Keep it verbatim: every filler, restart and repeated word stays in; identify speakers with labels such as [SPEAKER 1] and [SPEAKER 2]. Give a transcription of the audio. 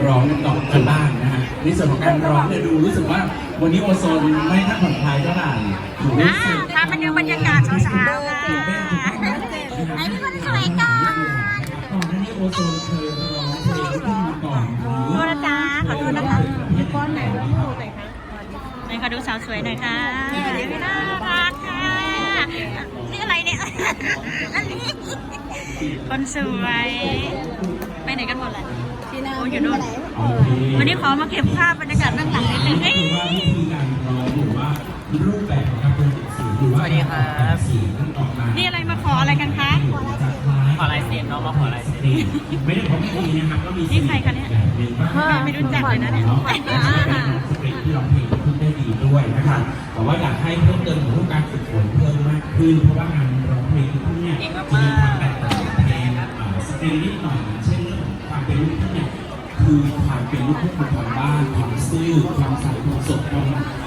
[SPEAKER 1] ร้องกันก่อนกันบ้างนะฮะในส่วนของการร้องเนี่ยดูรู้สึกว่าวันนี้โอโซนไม่ค่อยผ่อนคลายเท่าไหร่ถูกรู้สึก
[SPEAKER 2] พาไปดูบรรยากาศเช้าๆค่ะไอ้ที่คนสวยก่อน
[SPEAKER 1] ก่อนหน้านี้โอโซนเคยร้องเพลงขึ้นมาก่อนหรือ
[SPEAKER 2] โทษนะจ๊ะขอโทษนะคะก้อนไหนดูหน่อยคะไหนขอดูสาวสวยหน่อยค่ะเดี๋ยวไม่น่ารักค่ะนี่อะไรเนี่ยอันนี้คนสวยไปไหนกันหมดเลยโอ้อยู่นู่นวันนี้ขอมาเก็บภาพบรรยากาศเบื้องหลังนิดนึง
[SPEAKER 1] ว่าวิธีการร้องหรือว่ารูปแบบของการเป็นเสียงหรือว่าการเสียงนั้นออกมา
[SPEAKER 2] นี่อะไรมาขออะไรกันคะ
[SPEAKER 3] ขอลายเซ็นน้องมาขอลายเซ็น
[SPEAKER 1] ไม่ได้ของพี่นะครับก็มี
[SPEAKER 2] นี่ใครคะเนี่ยไม่รู้จักเลยนะเนี่ย
[SPEAKER 1] สคริปต์ที่ร้องเพลงขึ้นได้ดีด้วยนะครับแต่ว่าอยากให้เพิ่มเติมของการฝึกฝนเพิ่มมากขึ้นเพราะว่างานร้องเพลงทุกเนี่ยจะมีความแตกต่างจากเพลงสตริงนิดหน่อยเช่นเรื่องของความเป็นลูกทุ่งเนี่ยคือความเป็นลูกทุ่งของบ้านความซื่อความใส่ความสดความ